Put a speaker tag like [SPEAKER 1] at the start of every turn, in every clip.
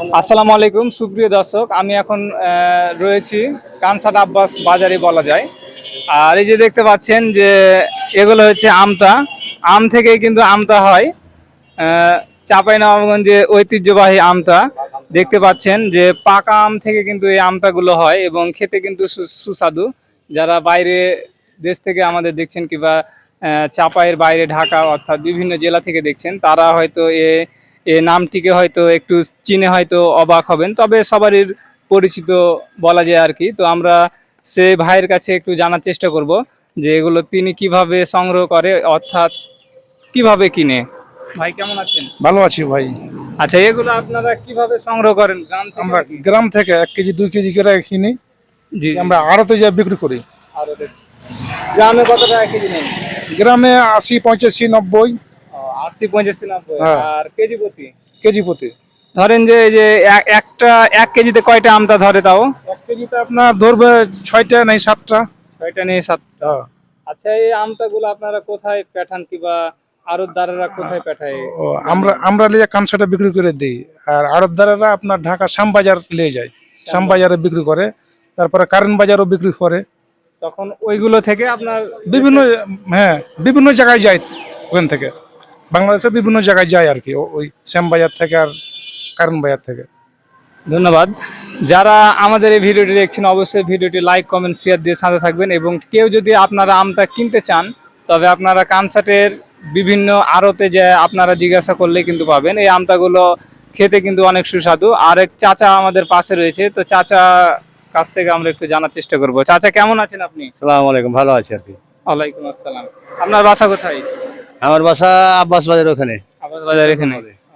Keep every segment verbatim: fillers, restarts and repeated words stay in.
[SPEAKER 1] আসসালামু আলাইকুম সুপ্রিয় দর্শক, আমি এখন আহ, রয়েছি কানসাট আব্বাস বাজারে বলা যায়। আর এই যে দেখতে পাচ্ছেন যে এগুলো হচ্ছে আমতা। আম থেকে কিন্তু আমতা হয়। আহ, চাঁপাইনবাবগঞ্জে ঐতিহ্যবাহী আমতা দেখতে পাচ্ছেন যে পাকা আম থেকে কিন্তু এই আমতাগুলো হয় এবং খেতে কিন্তু সু- সুস্বাদু। যারা বাইরে দেশ থেকে আমাদের দেখছেন কিংবা আহ, চাঁপাইয়ের বাইরে ঢাকা অর্থাৎ বিভিন্ন জেলা থেকে দেখছেন, তারা হয়তো এ এ নামটিকে হয়তো একটু চিনে হয়তো অবাক হবেন, তবে সবারই পরিচিত বলা যায় আর কি। তো আমরা সে ভাইয়ের কাছে একটু জানার চেষ্টা করব যে এগুলো তিনি কিভাবে সংগ্রহ করে অর্থাৎ কিভাবে কিনে। ভাই কেমন আছেন?
[SPEAKER 2] ভালো আছি ভাই।
[SPEAKER 1] আচ্ছা, এগুলো আপনারা কিভাবে সংগ্রহ করেন? গ্রাম থেকে
[SPEAKER 2] আমরা
[SPEAKER 1] নাকি?
[SPEAKER 2] গ্রাম থেকে এক কেজি দুই কেজি করে কিনি,
[SPEAKER 1] জি জি।
[SPEAKER 2] আমরা আড়তে যা বিক্রি করি।
[SPEAKER 1] আর ওদের গ্রামে কত টাকা কেজি নেন?
[SPEAKER 2] গ্রামে আশি পঁচাশি নব্বই
[SPEAKER 1] ও, আশি পঁচাশি নব্বই।
[SPEAKER 2] হ্যাঁ।
[SPEAKER 1] আর কেজি প্রতি
[SPEAKER 2] কেজি প্রতি।
[SPEAKER 1] ধরেন যে এই যে এক- একটা এক কেজিতে কয়টা আমটা ধরে তাও?
[SPEAKER 2] এক কেজিতে আপনার ধরবে ছয়টা নাই সাতটা।
[SPEAKER 1] ছয়টা নিয়ে সাত।
[SPEAKER 2] হ্যাঁ।
[SPEAKER 1] আচ্ছা, এই আমটাগুলো আপনারা কোথায় পাঠান কিংবা আড়তদারেরা কোথায় পাঠায়?
[SPEAKER 2] ও, আমরা আমরা লিয়ে কানসাটা বিক্রি করে দিই, আর আড়তদারেরা আপনার ঢাকা শ্যামবাজার নিয়ে যায়, শ্যামবাজারে বিক্রি করে, তারপরে কারেন্ট বাজারও বিক্রি করে।
[SPEAKER 1] তখন ওইগুলো থেকে আপনার
[SPEAKER 2] বিভিন্ন, হ্যাঁ, বিভিন্ন জায়গায় যায় ওখান থেকে, বাংলাদেশের বিভিন্ন জায়গায় যায় আর কি, ও- ওই শ্যামবাজার থেকে আর কারেন্ট বাজার থেকে।
[SPEAKER 1] ধন্যবাদ। যারা আমাদের এই ভিডিওটি দেখছেন অবশ্যই ভিডিওটি লাইক কমেন্ট শেয়ার দিয়ে সাথে থাকবেন, এবং কেউ যদি আপনারা আমটা কিনতে চান তবে আপনারা কানসাটের বিভিন্ন আড়তে যে আপনারা জিজ্ঞাসা করলেই কিন্তু পাবেন। এই আমটাগুলো খেতে কিন্তু অনেক সুস্বাদু। আর এক চাচা আমাদের পাশে রয়েছে, তো চাচা কাছ থেকে আমরা একটু জানার চেষ্টা করব। চাচা কেমন আছেন আপনি?
[SPEAKER 3] সালাম আলাইকুম, ভালো আছি আর কি।
[SPEAKER 1] ওয়ালাইকুম আসসালাম। আপনার বাসা কোথায়?
[SPEAKER 3] আমার বাসা আব্বাস বাজার ওখানে।
[SPEAKER 1] আবাস বাজার এখানে।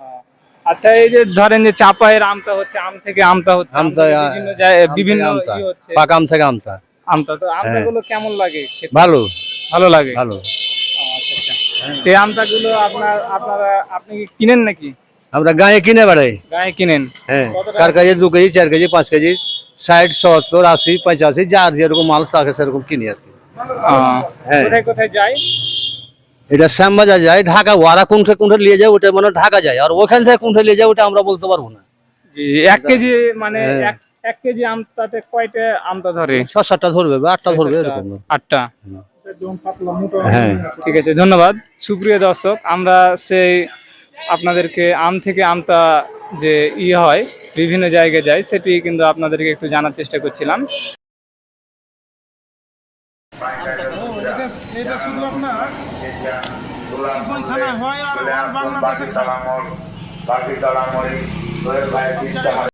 [SPEAKER 1] আচ্ছা, এই যে ধরেন যে চাপায়ের আমটা হচ্ছে আম থেকে আমটা হচ্ছে আম
[SPEAKER 3] আমতা,
[SPEAKER 1] থেকে বিভিন্ন জায়গায় বিভিন্ন
[SPEAKER 3] আমতা,
[SPEAKER 1] ই হচ্ছে
[SPEAKER 3] পাকা আম থেকে আমতা।
[SPEAKER 1] আমটা, তো আমটাগুলো কেমন লাগে খেতে?
[SPEAKER 3] ভালো
[SPEAKER 1] ভালো লাগে।
[SPEAKER 3] ভালো।
[SPEAKER 1] ও, আচ্ছা আচ্ছা। তো এই আমটাগুলো আপনার আপনারা আপনি কি কিনেন নাকি?
[SPEAKER 3] আমরা গায়ে কিনে বেড়াই।
[SPEAKER 1] গায়ে কিনেন?
[SPEAKER 3] হ্যাঁ,
[SPEAKER 1] কত টাকা?
[SPEAKER 3] কার কাছে দু কেজি চার কেজি পাঁচ কেজি ষাট সত্তর আশি পঁচাশি যার যেরকম মাল থাকে সেরকম কিনি আর কি।
[SPEAKER 1] ও,
[SPEAKER 3] হ্যাঁ।
[SPEAKER 1] কোথায় কোথায় যায়?
[SPEAKER 3] এটা শ্যামবাজার যায়, ঢাকা ওয়ারা কোনটা কোনটা নিয়ে যায় ওটা মানে ঢাকা যায়, আর ওখান থেকে কোনটা নিয়ে যায় ওটা আমরা বলতে পারবো না।
[SPEAKER 1] জি, এক কেজি মানে
[SPEAKER 3] হ্যাঁ।
[SPEAKER 1] এক এক কেজি আমটাতে কয়টা আমটা ধরে?
[SPEAKER 3] ছ সাতটা ধরবে বা আটটা ধরবে এরকম।
[SPEAKER 1] আটটা।
[SPEAKER 3] হ্যাঁ,
[SPEAKER 1] ঠিক আছে, ধন্যবাদ। সুপ্রিয় দর্শক, আমরা সেই আপনাদেরকে আম থেকে আমটা যে ই হয় বিভিন্ন জায়গায় যায় সেটি কিন্তু আপনাদেরকে একটু জানার চেষ্টা করছিলাম।
[SPEAKER 2] এটা শুধু আপনার সিফন থানায় হয় আর বাংলাদেশে খায়।